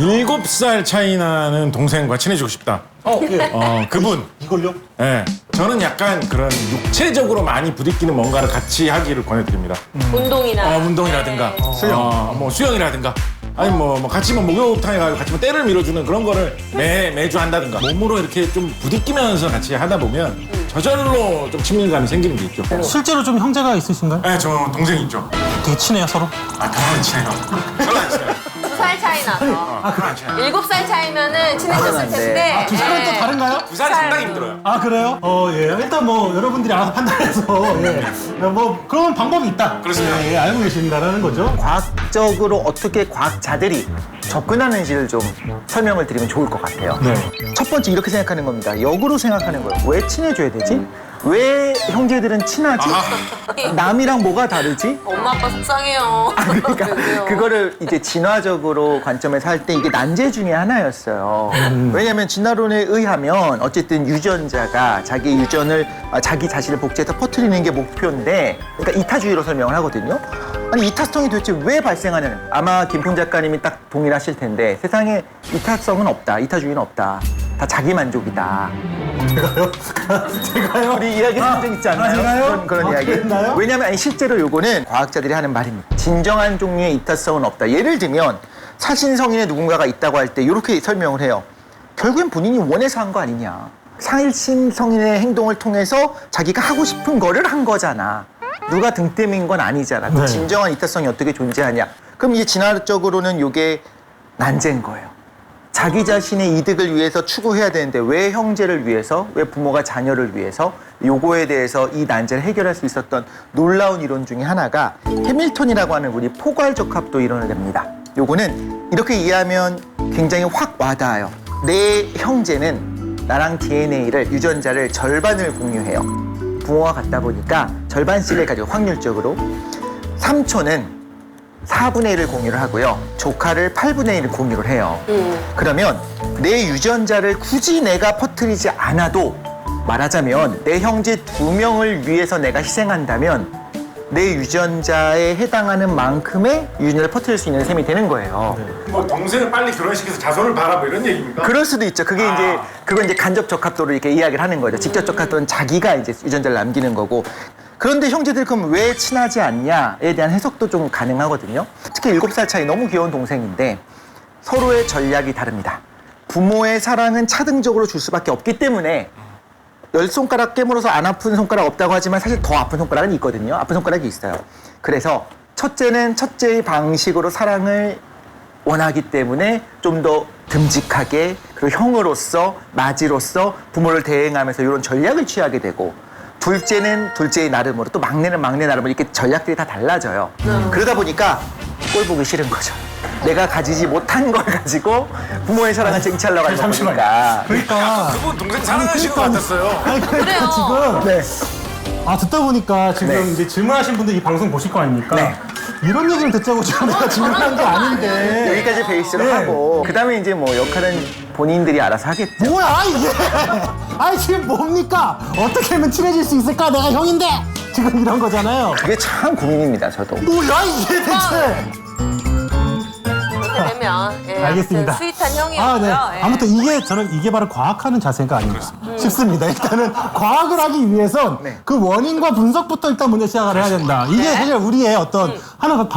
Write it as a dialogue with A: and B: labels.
A: 7살 차이 나는 동생과 친해지고 싶다.
B: 예.
A: 그분.
B: 이걸요?
A: 예. 저는 약간 그런 육체적으로 많이 부딪히는 뭔가를 같이 하기를 권해드립니다.
C: 운동이나.
A: 운동이라든가,
C: 네.
A: 뭐 수영이라든가, 아니 뭐 같이 뭐 목욕탕에 가서 같이 뭐 때를 밀어주는 그런 거를 매주 한다든가. 몸으로 이렇게 좀 부딪히면서 같이 하다 보면 저절로 좀 친밀감이 생기는 게 있죠.
B: 실제로 좀 형제가 있으신가요?
A: 네, 저 동생 있죠.
B: 되게 친해요, 서로?
A: 그만 친해요. 저는 안 친해요.
C: 2살 차이 나서.
A: 그만 친해요.
C: 7살 차이면은 친해졌을 텐데.
B: 두 살은 또 다른가요?
A: 2살이 상당히 힘들어요.
B: 아, 그래요? 예. 일단 뭐, 여러분들이 알아서 판단해서, 예. 뭐, 그런 방법이 있다.
A: 그렇습니다.
B: 예, 알고 계신다라는 거죠.
D: 과학적으로 어떻게 과학자들이 접근하는지를 좀 설명을 드리면 좋을 것 같아요.
B: 네.
D: 첫 번째 이렇게 생각하는 겁니다. 역으로 생각하는 거예요. 왜 친해져야 되지? 왜 형제들은 친하지? 남이랑 뭐가 다르지?
C: 엄마 아빠 속상해요.
D: 그러니까
C: 그래요.
D: 그거를 이제 진화적으로 관점에서 할 때 이게 난제 중에 하나였어요. 왜냐하면 진화론에 의하면 어쨌든 유전자가 자기 유전을 자기 자신을 복제해서 퍼뜨리는 게 목표인데, 그러니까 이타주의로 설명을 하거든요. 아니 이타성이 도대체 왜 발생하는? 아마 김풍 작가님이 딱 동일하실 텐데 세상에 이타성은 없다, 이타주의는 없다. 다 자기 만족이다.
B: 제가요?
D: 우리 이야기 한 적 있지 않나요?
B: 제가요?
D: 그런 이야기.
B: 그랬나요?
D: 왜냐하면 아니, 실제로 요거는 과학자들이 하는 말입니다. 진정한 종류의 이타성은 없다. 예를 들면 사신성인의 누군가가 있다고 할 때 이렇게 설명을 해요. 결국엔 본인이 원해서 한 거 아니냐. 사신성인의 행동을 통해서 자기가 하고 싶은 거를 한 거잖아. 누가 등 때문인 건 아니잖아. 그
B: 네.
D: 진정한 이타성이 어떻게 존재하냐. 그럼 이제 진화적으로는 요게 난제인 거예요. 자기 자신의 이득을 위해서 추구해야 되는데 왜 형제를 위해서, 왜 부모가 자녀를 위해서, 요거에 대해서 이 난제를 해결할 수 있었던 놀라운 이론 중에 하나가 해밀턴이라고 하는 우리 포괄적합도 이론을 냅니다. 요거는 이렇게 이해하면 굉장히 확 와닿아요. 내 형제는 나랑 DNA를, 유전자를 절반을 공유해요. 부모와 같다 보니까 절반씩을 가지고 확률적으로. 삼촌은 4분의 1을 공유를 하고요. 조카를 8분의 1을 공유를 해요. 그러면 내 유전자를 굳이 내가 퍼뜨리지 않아도, 말하자면 내 형제 2명을 위해서 내가 희생한다면 내 유전자에 해당하는 만큼의 유전자를 퍼뜨릴 수 있는 셈이 되는 거예요.
A: 뭐 동생을 빨리 결혼시켜서 자손을 봐라 뭐 이런 얘기입니까?
D: 그럴 수도 있죠. 그게 이제 그건 이제 간접 적합도로 이렇게 이야기를 하는 거죠. 직접 적합도는 자기가 이제 유전자를 남기는 거고. 그런데 형제들 그럼 왜 친하지 않냐에 대한 해석도 좀 가능하거든요. 특히 7살 차이 너무 귀여운 동생인데 서로의 전략이 다릅니다. 부모의 사랑은 차등적으로 줄 수밖에 없기 때문에 10손가락 깨물어서 안 아픈 손가락 없다고 하지만 사실 더 아픈 손가락은 있거든요. 아픈 손가락이 있어요. 그래서 첫째는 첫째의 방식으로 사랑을 원하기 때문에 좀 더 듬직하게, 그리고 형으로서, 맏이로서 부모를 대행하면서 이런 전략을 취하게 되고, 둘째는 둘째의 나름으로, 또 막내는 막내 나름으로 이렇게 전략들이 다 달라져요. 그러다 보니까 꼴 보기 싫은 거죠. 내가 가지지 못한 걸 가지고 부모의 사랑을 쟁취하려고 하는 거니까.
B: 그러니까.
A: 그분 동생 사랑하시는 것 같았어요.
B: 아니,
C: 그래요.
B: 지금.
D: 네.
B: 듣다 보니까 지금
D: 네.
B: 이제 질문하신 분들 이 방송 보실 거 아닙니까?
D: 네.
B: 이런 얘기를 듣자고 지금 내가 질문한 게 아닌데.
D: 여기까지 베이스로
B: 네.
D: 하고, 그 다음에 이제 뭐 역할은 본인들이 알아서 하겠죠.
B: 뭐야, 이게? 아니, 지금 뭡니까? 어떻게 하면 친해질 수 있을까? 내가 형인데! 지금 이런 거잖아요.
D: 그게 참 고민입니다, 저도.
B: 뭐야, 이게 대체?
C: 이렇게 되면. 예,
B: 알겠습니다.
C: 아무튼 스윗한 형이었고요.
B: 네.
C: 예.
B: 아무튼 저는 이게 바로 과학하는 자세가 아닌가 싶습니다. 일단은 과학을 하기 위해선
D: 네.
B: 그 원인과 분석부터 일단 먼저 시작을 해야 된다. 이게 사실 우리의 어떤 하나